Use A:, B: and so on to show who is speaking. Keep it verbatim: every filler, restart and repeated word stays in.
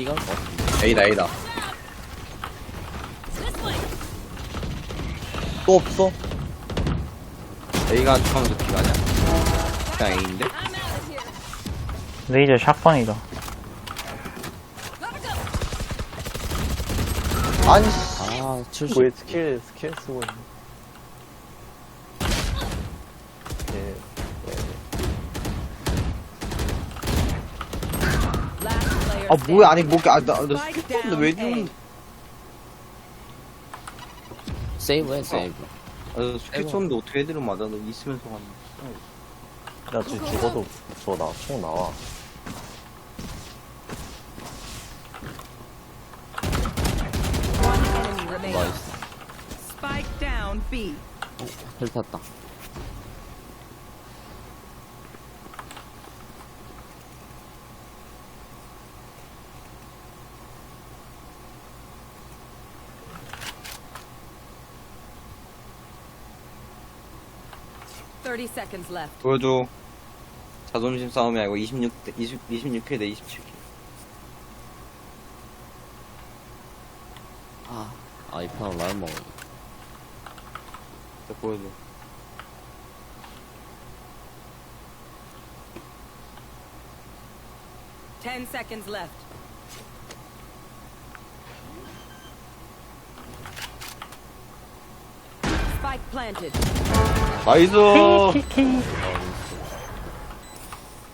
A: B가 것 같은데.
B: A다 A다. 또 없어? A가 처음부터 B가 아니야. 그냥 A인데?
C: 레이저 샷건이다.
B: 아니
A: 아, 칠십.
D: 왜 스킬, 스킬 쓰고 있네. 예,
B: 아 뭐야 아니 뭐게 아나나 스킬인데 왜 죽는
A: 세이브해, 세이브.
B: 아 스킬 쳤는데 어떻게 애들을 맞아 너 있으면서 가는
D: 야, 쟤 죽어도 저 나, 총 나와.
E: Enemy remaining.
A: 나이스.
E: Spike down B.
A: 헬 탔다.
E: thirty seconds left.
B: 보여줘 자존심 싸움이 아니고 이십육 대 이십, 이십육 회 대 이십칠 회
A: 아, 아, 이 판은 라면 먹어.
B: 자 보여줘
E: ten seconds left. Spike planted.
B: 나이스
C: 키키.